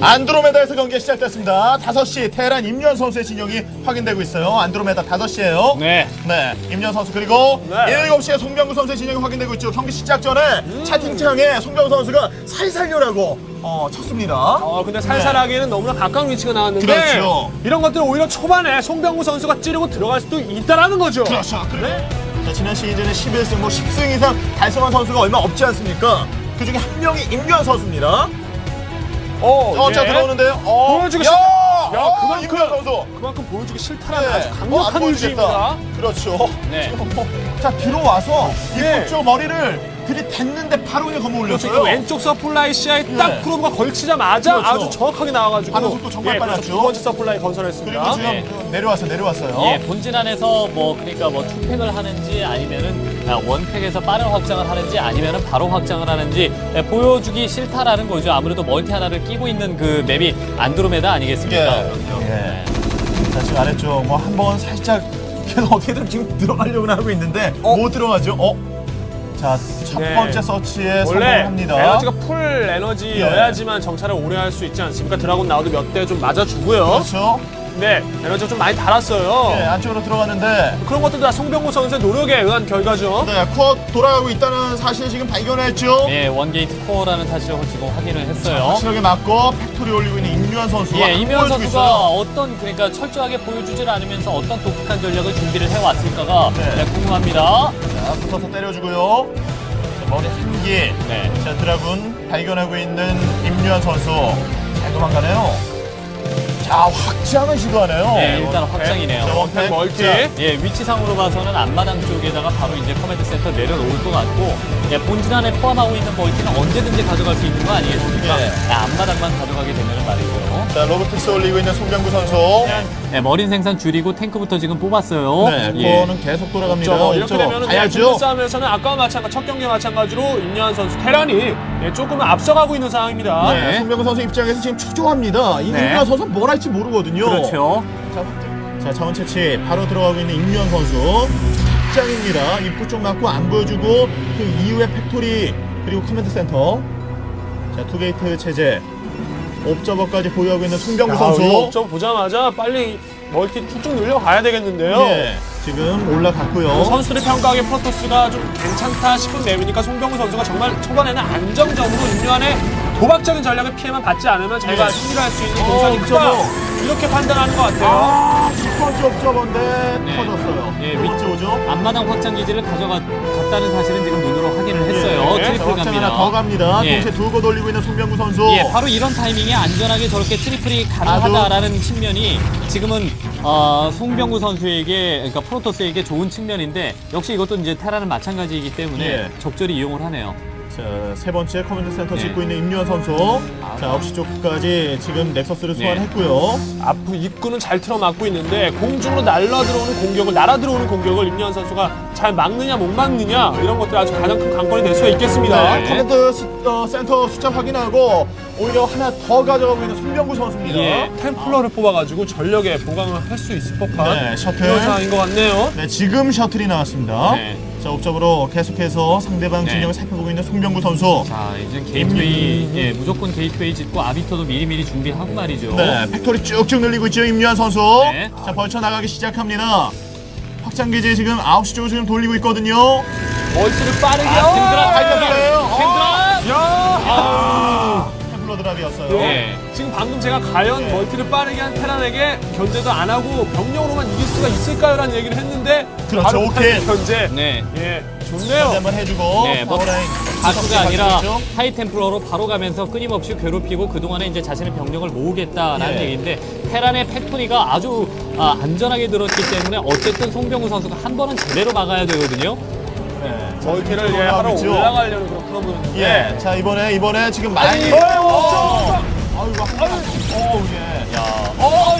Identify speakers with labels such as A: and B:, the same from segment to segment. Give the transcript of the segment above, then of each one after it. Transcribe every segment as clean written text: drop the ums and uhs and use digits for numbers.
A: 안드로메다에서 경기가 시작됐습니다. 5시 테란 임요한 선수의 진영이 확인되고 있어요. 안드로메다 5시예요.
B: 네.
A: 네, 임요한 선수 그리고
C: 네.
A: 7시에 송병구 선수의 진영이 확인되고 있죠. 경기 시작 전에 채팅창에 송병구 선수가 살살려라고 쳤습니다.
C: 근데 살살하기에는 너무나 가까운 위치가 나왔는데
A: 그렇죠.
C: 이런 것들은 오히려 초반에 송병구 선수가 찌르고 들어갈 수도 있다라는 거죠.
A: 그렇죠. 네. 자, 지난 시즌에 11승, 10승 이상 달성한 선수가 얼마 없지 않습니까? 그 중에 한 명이 임요한 선수입니다. 자, 들어오는데요.
C: 보여주기 싫다. 야,
A: 임요한 선수.
C: 그만큼 보여주기 싫다라는
A: 네.
C: 아주 강력한
A: 안
C: 의지입니다.
A: 보여주겠다. 그렇죠.
B: 네.
A: 지금 자, 들어와서
C: 예.
A: 입구 쪽 머리를 들이댔는데 바로 그냥 검어
C: 그렇죠.
A: 올렸어요.
C: 왼쪽 서플라이 시야에 딱
A: 네.
C: 프로브가 걸치자마자
A: 그렇죠.
C: 아주 정확하게 나와가지고
A: 반응 속도 정말
C: 그렇죠.
A: 빨랐죠.
C: 두 번째 서플라이 건설했습니다.
A: 그리고 지금
B: 네.
A: 내려왔어요.
B: 예, 본진 안에서 그러니까 투팩을 하는지 아니면은 원팩에서 빠른 확장을 하는지 아니면은 바로 확장을 하는지 보여주기 싫다라는 거죠. 아무래도 멀티 하나를 끼고 있는 그 맵이 안드로메다 아니겠습니까?
A: 예. 자, 지금 아래쪽 한번 살짝 어떻게든 지금 들어가려고 하고 있는데 못 들어가죠. 자, 첫
C: 네.
A: 번째 서치에
C: 원래
A: 성공합니다.
C: 에너지가 풀 에너지여야지만 정찰을 오래 할 수 있지 않습니까? 드라곤 나오도 몇 대 좀 맞아주고요.
A: 그렇죠.
C: 네, 에너지가 좀 많이 달았어요.
A: 예, 안쪽으로 들어갔는데
C: 그런 것들도 다 송병구 선수의 노력에 의한 결과죠.
A: 네, 코어 돌아가고 있다는 사실 지금 발견했죠.
B: 예, 원게이트 코어라는 사실을 지금 확인을 했어요.
A: 확실하게 맞고 팩토리 올리고 있는 임요한 선수가
B: 예, 이면
A: 보여주고
B: 선수가
A: 있어요.
B: 어떤 그러니까 철저하게 보여주질 않으면서 어떤 독특한 전략을 준비를 해왔을까가
A: 네.
B: 궁금합니다.
A: 자, 붙어서 때려주고요. 자, 머리 한 개.
B: 네.
A: 자, 드라군 발견하고 있는 임요한 선수. 잘 도망가네요. 자, 확장을 시도하네요.
B: 예, 일단 확장이네요.
A: 자, 원팩
C: 멀티.
A: 자,
B: 예, 위치상으로 봐서는 앞마당 쪽에다가 바로 이제 커맨드 센터 내려놓을 것 같고, 예, 본진 안에 포함하고 있는 멀티는 언제든지 가져갈 수 있는 거 아니겠습니까?
A: 예.
B: 앞마당만 가져가게 되면 말이죠.
A: 자, 로보틱스 올리고 있는 송병구 선수.
B: 예, 머린 생산 줄이고 탱크부터 지금 뽑았어요.
A: 네,
B: 예.
A: 코어는 계속 돌아갑니다.
C: 이렇게 되면
A: 가야죠.
C: 싸움에서는 아까와 마찬가지 첫 경기와 마찬가지로 임요한 선수 테란이 조금은 앞서가고 있는 상황입니다.
A: 네, 송병구 선수 입장에서 지금 초조합니다. 이
B: 네.
A: 임요한 선수 뭘 할지 모르거든요.
B: 그렇죠.
A: 자, 자원 채취 바로 들어가고 있는 임요한 선수. 확장입니다. 입구 쪽 맞고 안 보여주고 그 이후에 팩토리 그리고 커맨드 센터. 자, 투게이트 체제. 옵저버까지 보유하고 있는 송병구 선수.
C: 좀 보자마자 빨리 멀티 쭉쭉 늘려가야 되겠는데요.
A: 예, 지금 올라갔고요.
C: 선수들의 평가하기에 프로토스가 좀 괜찮다 싶은 맵이니까 송병구 선수가 정말 초반에는 안정적으로 임요한의 도박적인 전략의 피해만 받지 않으면 자기가 승리를 할 수 있는 공산이니까
A: 옵저버.
C: 이렇게 판단하는 것 같아요.
A: 첫 번째 옵저버인데
B: 네.
A: 터졌어요.
B: 예,
A: 두 번째 오죠.
B: 앞마당 확장 기지를 가져갔다는 사실은 지금 눈으로 확인을 했어요.
A: 예,
B: 트리플
A: 확장
B: 갑니다.
A: 하나 더 갑니다.
B: 예.
A: 동시에 두고 돌리고 있는 송병구 선수.
B: 예, 바로 이런 타이밍에 안전하게 저렇게 트리플이 가능하다라는 측면이 지금은 송병구 선수에게, 그러니까 프로토스에게 좋은 측면인데 역시 이것도 이제 테라는 마찬가지이기 때문에
A: 예.
B: 적절히 이용을 하네요.
A: 자, 세 번째 커맨드 센터
B: 네.
A: 짓고 있는 임요한 선수. 자, 9시 쪽까지 지금 넥서스를 소환했고요.
C: 앞으로 입구는 잘 틀어막고 있는데 공중으로 날아 들어오는 공격을 임요한 선수가 잘 막느냐 못 막느냐 이런 것들이 아주 가장 큰 관건이 될 수가 있겠습니다.
A: 네, 커맨드 센터 숫자 확인하고 오히려 하나 더 가져가고 있는 송병구 선수입니다.
B: 예.
C: 템플러를 뽑아가지고 전력에 보강을 할 수 있을 법한
A: 네, 셔틀.
C: 그런 상황인 것 같네요.
A: 네, 지금 셔틀이 나왔습니다.
B: 네.
A: 자, 옵적으로 계속해서 상대방
B: 네.
A: 진영을 살펴보고 있는 송병구 선수.
B: 자, 이제 게이트웨이, 예, 무조건 게이트웨이 짓고 아비터도 미리미리 준비하고 말이죠.
A: 네, 팩토리 쭉쭉 늘리고 있죠, 임요한 선수.
B: 네.
A: 자, 벌쳐 나가기 시작합니다. 확장기지 지금 9시 쪽으로 지금 돌리고 있거든요.
C: 멀티를 빠르게
B: 템드랍!
A: 발견돼요.
B: 템드랍!
C: 야!
A: 템플러 드랍이었어요.
B: 예.
C: 지금 방금 제가 과연
A: 네.
C: 멀티를 빠르게 한 테란에게 견제도 안 하고 병력으로만 이길 수가 있을까요? 라는 얘기를 했는데
A: 그렇죠,
C: 바로
A: 오케이.
C: 견제
B: 네.
C: 예,
A: 견제
C: 좋네요.
A: 한번 해주고.
B: 네, 뭐
A: 파워라인.
B: 다수가 아니라
A: 가지고 있죠.
B: 하이템플러로 바로 가면서 끊임없이 괴롭히고 그동안에 이제 자신의 병력을 모으겠다라는
A: 예.
B: 얘기인데 테란의 팩토리가 아주 안전하게 들었기 때문에 어쨌든 송병구 선수가 한 번은 제대로 막아야 되거든요.
A: 네, 자,
C: 멀티를
A: 지금
C: 하러
A: 올라가고 있죠.
C: 올라가려는 그런 프로그램인데
A: 예, 자, 이번에 지금 많이.
C: 아이고,
A: 아이고, 예.
B: 야,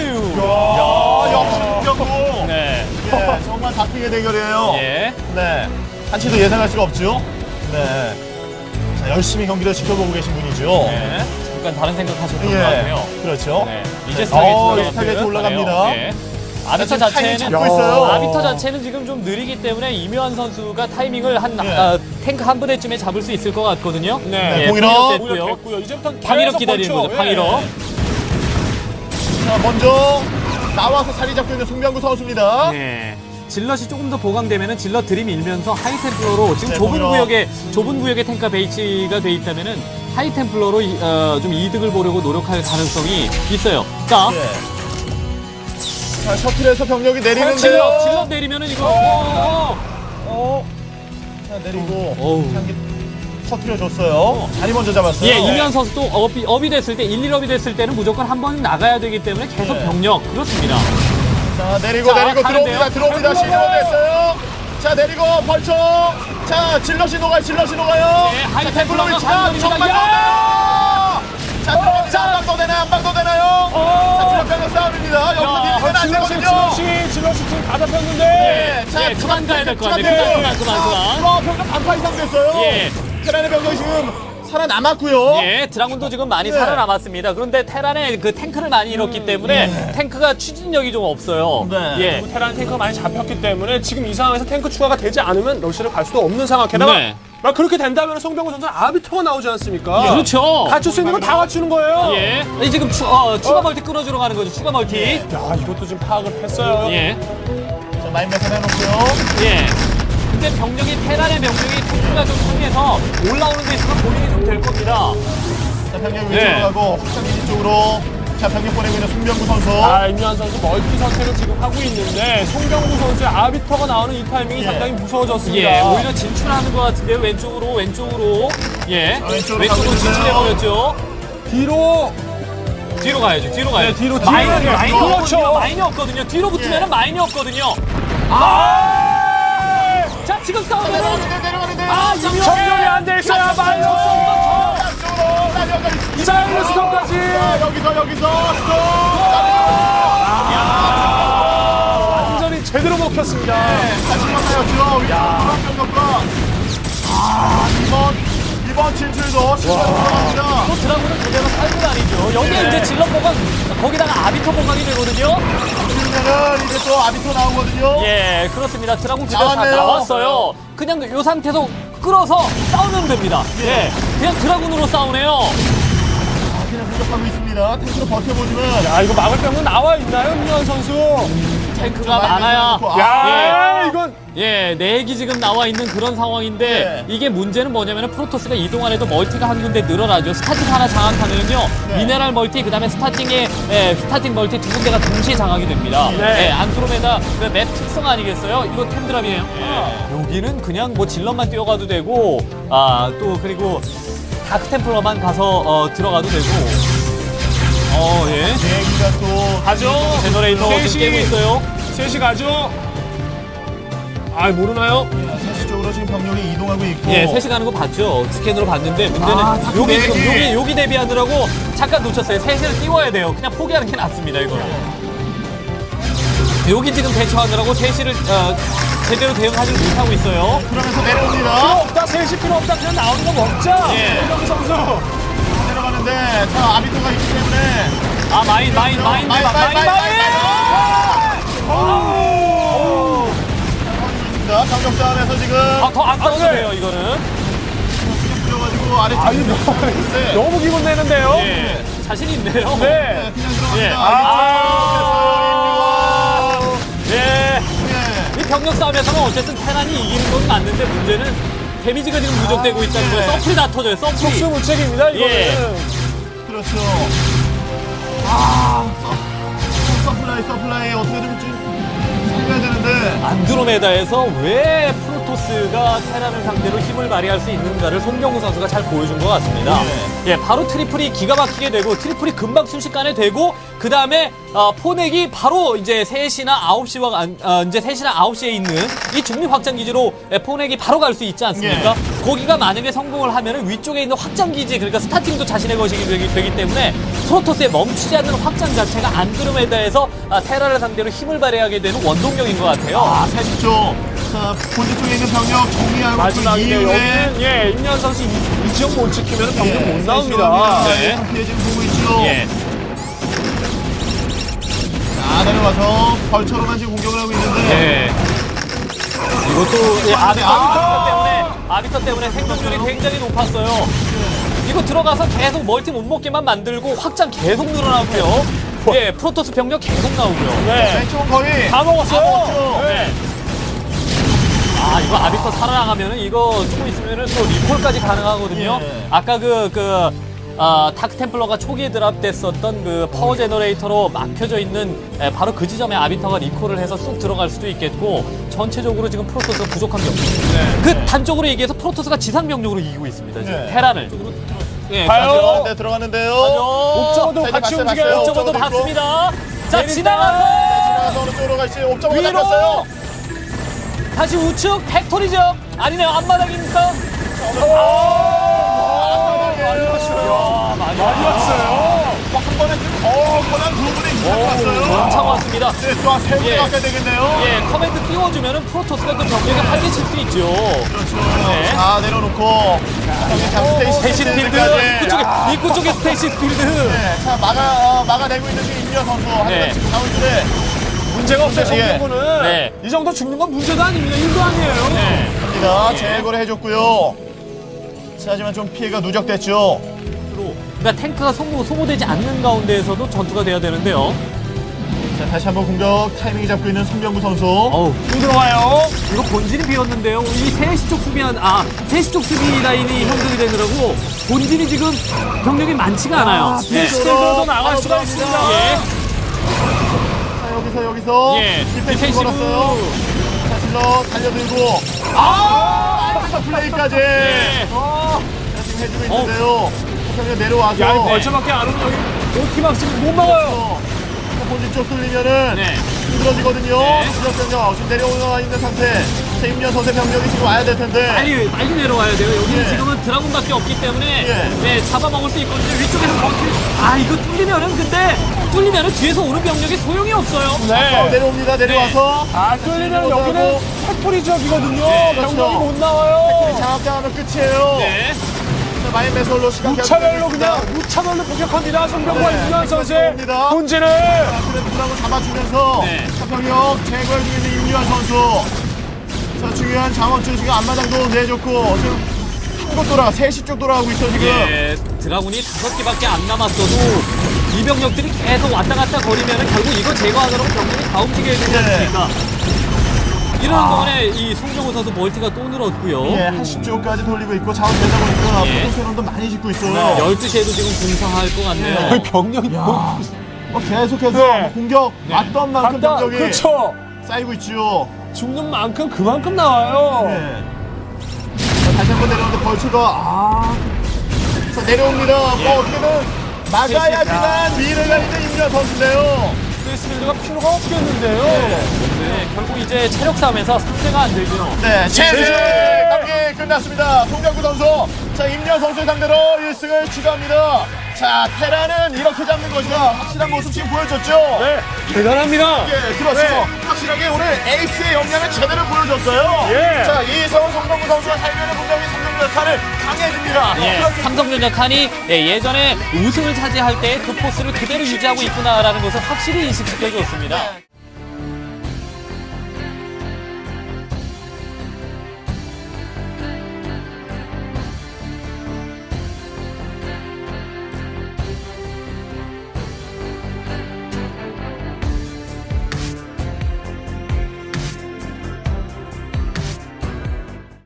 A: 역시 송병구.
B: 네,
A: 예, 정말 다크의 대결이에요.
B: 예,
A: 네, 한치도 예상할 수가 없죠. 네, 자, 열심히 경기를 지켜보고 계신 분이죠.
B: 네. 잠깐 다른 생각하셨던 것 같아요.
A: 그렇죠.
B: 네, 이제 스타게이트
A: 스타게이트 올라갑니다.
B: 예. 아비터
A: 지금 타이밍
B: 자체는
A: 잡고 있어요.
B: 아비터 자체는 지금 좀 느리기 때문에 이묘한 선수가 타이밍을 한
A: 예.
B: 탱크 한 분에쯤에 잡을 수 있을 것 같거든요.
C: 네,
B: 예,
A: 공일업.
B: 됐고요.
C: 됐고요. 이제부터
B: 방위력
C: 계속
B: 기다리는
C: 벌쳐.
B: 거죠. 방위력.
C: 예.
A: 자, 먼저 나와서 자리 잡고 있는 송병구 선수입니다.
B: 네. 질럿이 조금 더 보강되면은 질럿 들이밀면서 하이템플러로 지금
A: 네,
B: 좁은 구역에 탱크가 베이치가 돼 있다면은 하이템플러로 좀 이득을 보려고 노력할 가능성이 있어요. 자,
A: 예. 자, 셔틀에서 병력이 내리는데요.
B: 질럿 내리면은 이거
A: 자, 내리고
B: 어우.
A: 한개 터트려줬어요. 자리 먼저 잡았어요.
B: 예, 이면 선수도 업이 됐을 때 1, 1업이 됐을 때는 무조건 한 번 나가야 되기 때문에 계속
A: 네.
B: 병력 그렇습니다.
A: 자, 내리고
B: 자,
A: 내리고
B: 가는데요?
A: 들어옵니다. 시도가 됐어요. 자, 내리고 벌쳐. 자, 질럿이 녹아요.
B: 네,
A: 자,
B: 하이템플러가
A: 템플러 위치가
B: 가는
A: 정말
B: 겁니다.
A: 높아요. 자, 들어갑니다. 한 방 더 되나요? 자, 질럿병력 싸움입니다. 여기서 밀리면 안 되거든요.
C: 질럿이 지금 다 잡혔는데.
A: 예, 자,
B: 예, 그만 가야 될 것 같네. 그만.
A: 병력 반파 이상 됐어요.
B: 예.
A: 테란의 병력이 지금 살아남았고요.
B: 예, 드라군도 지금 많이
A: 네.
B: 살아남았습니다. 그런데 테란의 그 탱크를 많이 잃었기 때문에 탱크가 추진력이 좀 없어요.
A: 네.
B: 예.
C: 테란 탱크가 많이 잡혔기 때문에 지금 이 상황에서 탱크 추가가 되지 않으면 러시를 갈 수도 없는 상황. 게다가
B: 네.
C: 막 그렇게 된다면 송병구 선수는 아비터가 나오지 않습니까?
B: 그렇죠.
C: 갖출 수 있는 건 다 갖추는 거예요.
B: 예. 이 지금 추가 멀티 끊어주러 가는 거죠. 추가 멀티.
C: 야, 이것도 지금 파악을 했어요.
B: 예.
A: 자, 마인 매선 해놓고요.
B: 예. 근데 테란의 병력이 탱크가 좀 상해서 올라오는 데 있어서 고민이 좀 될 겁니다.
A: 자, 병력
B: 네.
A: 위쪽으로 가고 확장기지 쪽으로 자, 병력 보내고 있는 송병구 선수.
C: 임요한 선수 멀티 선택을 지금 하고 있는데 송병구 선수의 아비터가 나오는 이 타이밍이
A: 예.
C: 상당히 무서워졌습니다.
B: 예. 오히려 진출하는 것 같은데요. 왼쪽으로. 예.
A: 자, 왼쪽으로 가고
B: 왼쪽으로
A: 있는데요.
B: 진출해버렸죠. 뒤로 가야죠.
C: 네, 뒤로
B: 마인이
C: 그렇죠.
B: 없거든요. 마인이 없거든요. 뒤로 붙으면
A: 예.
B: 마인이 없거든요. 자, 지금 싸우면은
A: 내려가는데.
C: 정렬이 안 돼 있어야 마이너스.
A: 쪽으로 날려가 있습니다.
C: 이사이드 스톱까지.
A: 자, 여기서 스톱.
C: 완전히 제대로 먹혔습니다.
A: 자, 실망하였죠. 병력과. 이번 진출도 실망 들어갑니다.
B: 또 드라군은 그대로 살고 다니죠. 여기에
A: 네.
B: 이제 질럿 보강, 거기다가 아비터 보강이 되거든요.
A: 그러면은 이제 또 아비토 나오거든요.
B: 예, 그렇습니다. 드라군 그대로 다
A: 나왔네요.
B: 나왔어요. 그냥 이 상태에서 끌어서 싸우면 됩니다. 예, 그냥 드라군으로 싸우네요.
A: 그냥 공격하고 있습니다. 탱크로 버텨보지만.
C: 야, 이거 막을 병은 나와 있나요, 임요한 선수?
B: 탱크가 많아야.
C: 야, 이건
B: 예, 4기 지금 나와 있는 그런 상황인데 이게 문제는 뭐냐면 프로토스가 이동안 해도 멀티가 한 군데 늘어나죠. 스타팅 하나 장악하면요.
A: 네.
B: 미네랄 멀티 그다음에 스타팅 멀티 두 군데가 동시에 장악이 됩니다.
C: 네.
B: 예, 안드로메다 그 맵 특성 아니겠어요? 이거 템드랍이에요. 여기는 그냥 뭐 질럿만 뛰어가도 되고 또 그리고 다크 템플러만 가서 들어가도 되고 예.
A: 얘기가 또.
C: 가죠.
B: 제너레이터 지금
C: 셋이-
B: 깨고 있어요.
C: 셋이 가죠. 아, 모르나요?
A: 사실 쪽으로 지금 병력이 이동하고 있고.
B: 예, 3시 가는 거 봤죠. 스캔으로 봤는데 문제는
A: 다크
B: 여기
A: 네
B: 지금
A: 개.
B: 여기 대비하느라고 잠깐 놓쳤어요. 3시를 띄워야 돼요. 그냥 포기하는 게 낫습니다, 이거는. 여기 지금 대처하느라고 3시를 제대로 대응하지 못하고 있어요.
A: 그러면서
C: 필요
A: 내려옵니다.
C: 없다, 셋이 필요 없다. 그냥 나오는 거 먹자.
B: 예.
C: 송병구 선수.
A: 내려가는데 자, 아비토가 있기 때문에.
B: 마인.
A: 있습니다. 병력 싸움에서 지금.
B: 더 안 싸워도 돼요, 이거는.
A: 뿌려가지고 아래쪽에.
C: 아니, 너무 기분 내는데요.
B: 예, 자신 있네요.
C: 네.
A: 그냥 들어갑니다.
B: 예. 예.
A: 예.
B: 이 병력 싸움에서는 어쨌든 테란이 이기는 건 맞는데 문제는 데미지가 지금 누적되고 있다는 거예요.
A: 네.
B: 서플이 다 터져요, 서플이.
C: 속수무책입니다, 이거는.
B: 예.
A: 그렇죠. 서플라이 어떻게든 좀 살려야 되는데.
B: 안드로메다에서 왜 프로토스가 테란을 상대로 힘을 발휘할 수 있는가를 송병구 선수가 잘 보여준 것 같습니다. 예, 바로 트리플이 기가 막히게 되고 트리플이 금방 순식간에 되고 그 다음에 포넥이 바로 이제 3시나 9시와 이제 3시나 9시에 있는 이 중립 확장 기지로 포넥이 바로 갈 수 있지 않습니까? 거기가 만약에 성공을 하면은 위쪽에 있는 확장 기지 그러니까 스타팅도 자신의 것이 되기 때문에 프로토스의 멈추지 않는 확장 자체가 안드로메다에서 테라를 상대로 힘을 발휘하게 되는 원동력인 것 같아요.
A: 3시 쪽. 자, 본진 쪽에 있는 병력 정리하고 그
C: 마지막인데
A: 이후에.
C: 여기는 예, 임요한 선수 이 지역 못 지키면 병력 못 나옵니다.
B: 네.
A: 네. 지금 보고 있죠.
B: 예.
A: 자, 내려와서 벌처로만 지금 공격을 하고 있는데.
B: 예. 이것도 예, 아비터 때문에 생존율이 굉장히 높았어요. 이거 들어가서 계속 멀티 못 먹게만 만들고 확장 계속 늘어나고요. 예, 프로토스 병력 계속 나오고요.
C: 네.
A: 왼쪽은 거의
C: 다 먹었어요.
A: 다 먹었죠.
C: 네.
B: 아, 이거 아비터 살아나가면은 이거 조금 있으면은 또 리콜까지 가능하거든요.
A: 예.
B: 아까 다크 템플러가 초기에 드랍됐었던 그 파워 제너레이터로 막혀져 있는 바로 그 지점에 아비터가 리콜을 해서 쑥 들어갈 수도 있겠고, 전체적으로 지금 프로토스가 부족한 게 없습니다.
C: 네.
B: 그 단적으로 얘기해서 프로토스가 지상 병력으로 이기고 있습니다. 지금
A: 네.
B: 테란을. 예,
C: 가요.
A: 네, 들어가는데요.
C: 옥저버도
A: 자, 이제
C: 같이
A: 봤어요,
C: 움직여요.
A: 봤어요.
B: 옥저버도
A: 옥저버도 있고.
B: 봤습니다. 자,
C: 내린다.
B: 지나가서
A: 지나가서 어느 쪽으로 갈지 옵저버가
B: 위로!
A: 잡혔어요.
B: 다시 우측 팩토리죠. 아니네요, 앞마당입니까?
A: 많이 왔어요.
B: 많이
C: 많이 왔어요.
A: 한 번에 거의 두 분이 이상 왔어요.
B: 엄청 왔습니다.
A: 네, 또 한 세 분이
B: 예.
A: 가까이 되겠네요.
B: 예, 커맨드 띄워주면은 프로토스가 그 병력을 활개칠 수 있죠.
A: 그렇죠.
B: 네.
A: 자, 내려놓고 여기 자,
B: 스테이시 필드 입구 쪽에 스테이시 필드.
A: 네, 자, 막아내고 있는 지금 임현 선수. 하지만
B: 네.
A: 지금 자원줄에
C: 문제가 없어요.
A: 예.
C: 정도는
B: 네.
C: 이 정도 죽는 건 문제도 아닙니다. 일도 아니에요.
B: 네.
A: 갑니다. 제거를 해줬고요. 자, 하지만 좀 피해가 누적됐죠.
B: 그러니까 탱크가 소모되지 않는 가운데에서도 전투가 돼야 되는데요.
A: 자, 다시 한번 공격 타이밍 잡고 있는 송병구 선수.
B: 어우,
C: 들어와요.
B: 이거 본진이 비었는데요. 이 3시 쪽 수비한 3시 쪽 수비 라인이 형성이 되느라고 본진이 지금 병력이 많지가 않아요. 네.
C: 스텔들도 나갈 수가 있습니다.
B: 예.
A: 자, 여기서
B: 예,
A: 디펜스
B: 디펜시브.
A: 걸었어요. 자, 질러 달려들고 플레이까지.
B: 네.
A: 자, 지금 해주고 있는데요. 병력 내려와서.
C: 야, 이 벌처밖에 안 오면 여기 오키막 지금 못 막아요.
A: 본진 쪽 뚫리면은
B: 네.
A: 힘들어지거든요.
B: 네.
A: 지역병력 지금 내려와 있는 상태. 자, 임현 선수의 병력이 지금 와야 될 텐데.
B: 빨리 내려와야 돼요. 여기는
A: 예.
B: 지금은 드라군밖에 없기 때문에
A: 예.
B: 네, 잡아먹을 수 있거든요. 위쪽에서 이거 뚫리면은 뒤에서 오는 병력이 소용이 없어요.
A: 자, 내려옵니다. 내려와서.
C: 아, 뚫리면 여기는 팩토리 지역이거든요.
B: 네,
A: 그렇죠.
C: 병력이 못 나와요.
A: 장악당하면 끝이에요.
B: 네.
A: 자, 마인 매설로 시간
C: 무차별로 그냥 무차별로 공격합니다. 송병구와
A: 네,
C: 임현 선수의
A: 들어옵니다.
C: 본진을.
A: 그래 두라고 잡아주면서
B: 네.
A: 자, 병력 제거해 주고 있는 임유한 선수. 자, 중요한 장원준 지금 앞마당도 내줬고 지금 한곳 돌아 3시 쪽 돌아가고 있어 지금.
B: 예, 드라군이 5개밖에 안 남았어도 이 병력들이 계속 왔다 갔다 거리면은 결국 이거 제거하느라고 병력이 다 움직여야 되지
A: 네.
B: 않습니까? 이러는 동안에 이 송정우 선수 멀티가 또 늘었고요.
A: 예, 한 10조까지 돌리고 있고 자원 되다 보니까
B: 예.
A: 포토캐논도 많이 짓고 있어요.
B: 네, 12시에도 지금 공사할 것 같네요.
A: 예.
C: 거의 병력이
A: 계속해서
C: 네.
A: 공격 왔던 만큼
C: 갔다.
A: 병력이
C: 그렇죠.
A: 쌓이고 있지요.
C: 죽는 만큼 그만큼 나와요.
A: 네. 자, 다시 한번 내려오는데 벌초가 자, 내려옵니다. 뭐 어떻게든 막아야지만 미래가 있는 임현 선수인데요.
C: 스페이스빌드가 필요가 없겠는데요.
B: 네, 결국 이제 체력 싸움에서 상대가 안 되죠.
A: 네, 제재 경기 끝났습니다. 송병구 선수, 자 임현 선수 상대로 1승을 추가합니다. 자, 테라는 이렇게 잡는 것이다. 확실한 모습 지금 보여줬죠.
C: 네, 대단합니다.
A: 예, 그렇죠.
C: 네.
A: 확실하게 오늘 에이스의 역량을 제대로 보여줬어요.
C: 예.
A: 자, 이성훈 송병구 선수가 살면은 분명히 성공 역할을 강해집니다.
B: 예,
A: 그렇습니다.
B: 삼성전자 칸이 예전에 우승을 차지할 때 그 포스를 그대로 유지하고 있구나라는 것을 확실히 인식시켜줬습니다.